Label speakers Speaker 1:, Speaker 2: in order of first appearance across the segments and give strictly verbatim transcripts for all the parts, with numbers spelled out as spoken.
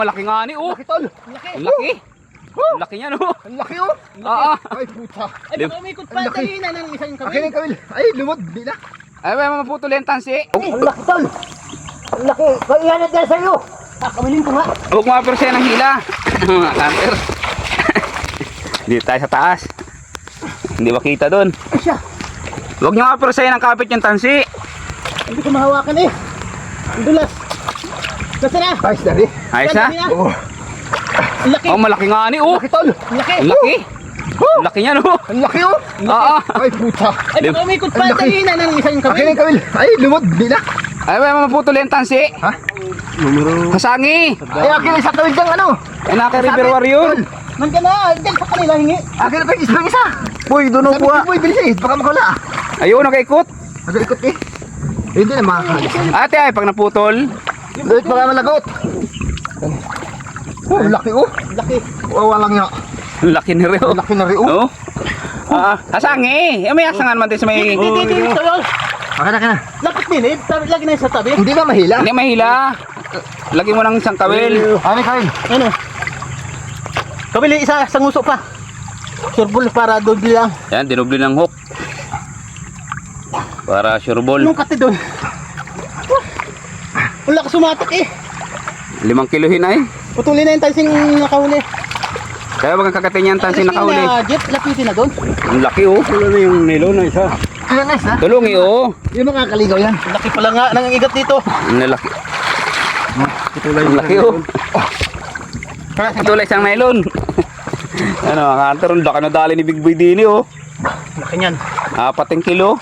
Speaker 1: Malaki nga ni, oh.
Speaker 2: Laki tol. Laki.
Speaker 1: Ang laki. Ang laki niya, no.
Speaker 2: Ang laki oh.
Speaker 1: Oo.
Speaker 2: Ay puta.
Speaker 3: Ay, baka umikot pa. Dali na ng isang
Speaker 2: Akin
Speaker 3: kawil.
Speaker 2: yung kawil. Ay lumod. Di na.
Speaker 1: Ay, may maputol yung tansi.
Speaker 3: Ang laki tol. Ang laki. Kailangan dyan sa'yo. Kakawilin ko nga.
Speaker 1: Huwag mga pero siya ng hila. Mga kanter. Dito tayo sa taas. Hindi makita doon.
Speaker 3: Ay siya.
Speaker 1: Huwag nyo nga pero siya ng kapit yung tansi.
Speaker 3: Hindi ko mahawakan eh. Ang dulas. Basta na.
Speaker 2: Ayos na rin.
Speaker 1: Ayos na.
Speaker 2: Oh.
Speaker 3: Ang laki.
Speaker 1: Oh, malaki nga ni, oh.
Speaker 2: Laki tol.
Speaker 3: Ang laki.
Speaker 1: Ang laki. Ang laki niya, no.
Speaker 2: Ang laki oh.
Speaker 1: Oo.
Speaker 2: Ay puta.
Speaker 3: Ay, baka umikot pa.
Speaker 2: Ang laki.
Speaker 3: Dali na ng isang
Speaker 2: Akin
Speaker 3: kawil.
Speaker 2: yung kawil. Ay lumod. Di na.
Speaker 1: Ay, may maputol yung tansi.
Speaker 2: Ha? Numero.
Speaker 1: Kasangi.
Speaker 2: Ay akin yung sa kawil dyan ano.
Speaker 1: Ay, naka River Warrior.
Speaker 3: Nandiyan na. Diyan sa kanila hingi.
Speaker 2: Akin na pa yung isang isa.
Speaker 1: Uy, doon
Speaker 2: Sabi ko boy bilis eh. Baka makawala.
Speaker 1: Ayun, nakaikot.
Speaker 2: Nag-ikot eh. Hindi na makakalis.
Speaker 1: Ate, ay, pag naputol.
Speaker 2: Lulit baka malagot. Oh, ang laki oh.
Speaker 3: Ang laki.
Speaker 2: Wawa lang niya.
Speaker 1: Ang laki ni Rio.
Speaker 2: Ang laki na rin oh.
Speaker 1: Oh. Ah, kasangi. Eh, may asangan man din sa may...
Speaker 3: Hindi, hindi, hindi. Tol.
Speaker 2: Akin na, akin na.
Speaker 3: Lapit din eh. Tabi- Lagi na yun sa tabi.
Speaker 2: Hindi ba mahila?
Speaker 1: Hindi mahila. Lagi mo ng isang kawil.
Speaker 2: Amin kawil.
Speaker 3: Ano? Kawil isa. Isang uso pa. Surbol para doble lang.
Speaker 1: Yan, dinubli ng hook. Para sure ball.
Speaker 3: Anong kati doon? Ang lakas sumatak eh.
Speaker 1: Limang kilohin ay.
Speaker 3: Putulin na yung tansing nakahuli.
Speaker 1: Kaya wag ang kakatin yan, tansi nakahuli.
Speaker 3: Na jet, lapitin na doon.
Speaker 1: Ang laki, oh.
Speaker 2: Ano na yung nilo na isa? Kaya nice ha?
Speaker 1: Tulungi, oh.
Speaker 2: Yung makakaligaw yan.
Speaker 3: Ang laki pala nga ng igat dito.
Speaker 1: Ang laki. Ang laki, oh. Tulay isang nylon. Ano, mga kanter, ang laki na dali ni Big Boy Dini, oh.
Speaker 3: Laki niyan.
Speaker 1: Apat ang kilo.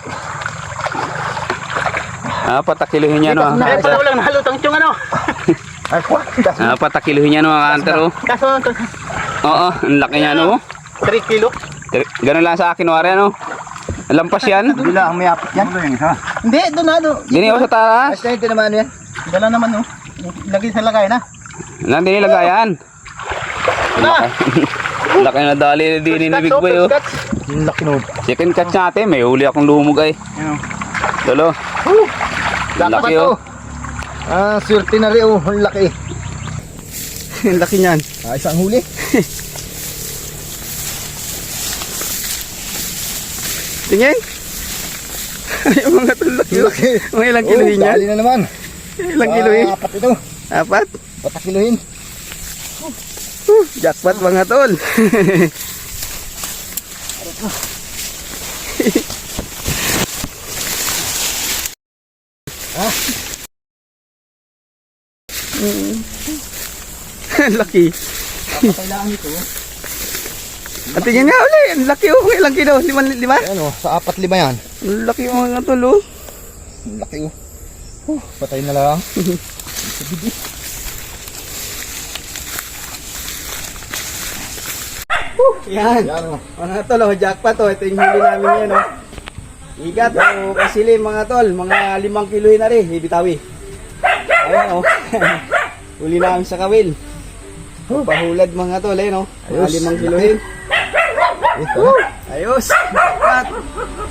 Speaker 1: Apat ang kilohin yan, oh.
Speaker 3: Kaya pala walang nahalutang tiyong ano.
Speaker 2: Ay, what?
Speaker 1: Apat ang kilohin yan, mga kanter, oh.
Speaker 3: Kaso,
Speaker 1: Oo, ang laki niya, no.
Speaker 3: three kilo.
Speaker 1: Ganun lang sa akin, wari, ano. Lampas yan.
Speaker 2: Hindi lang, may apit yan. Ano yung isa?
Speaker 3: Hindi, doon na. doon.
Speaker 1: Dini, oh, sa taas.
Speaker 2: Ayos na yun, tinamaan yan.
Speaker 3: Dala naman oh. Lagi sa lagay na.
Speaker 1: Nandun nilagayan.
Speaker 3: Na!
Speaker 1: Laki na dali ni Dini ni Big Boy, oh.
Speaker 2: Yung laki no.
Speaker 1: Second catch natin, may huli akong lumog ay. Tulo. Ang laki, oh.
Speaker 2: Ah, swerte na rin oh. Ang laki.
Speaker 1: Ang laki niyan.
Speaker 2: Ah, isang huli.
Speaker 1: Tingin. Ay, mga tulaki.
Speaker 2: Ang laki.
Speaker 1: Mga ilang kilohin yan?
Speaker 2: Dali na naman.
Speaker 1: Ilang kilohin?
Speaker 2: Ah, apat ito.
Speaker 1: Apat?
Speaker 2: Apat kilohin.
Speaker 1: Uh, jackpot mga tol.
Speaker 2: Ah.
Speaker 1: Laki.
Speaker 2: Kailangan ito.
Speaker 1: At tingin nga uli, ang laki, oh. Ilang kilo? Lima? lima?
Speaker 2: Ayan oh, sa apat lima yan.
Speaker 1: Ang laki mga tol, oh.
Speaker 2: Ang laki oh. Oh, patay na lang.
Speaker 1: Yan.
Speaker 2: Yan oh.
Speaker 1: Mga tol, oh, jackpot, oh. Ito yung huli namin yan, oh. Igat, oh, kasilim mga tol. Mga limang kilohin na rin, ibitawi. Ayan, oh. Huli namin sa kawil. Oh, pahulad mga tol, eh, no? Mga
Speaker 2: Ayos.
Speaker 1: limang kilohin.
Speaker 2: Ito.
Speaker 1: Ayos. Jackpot.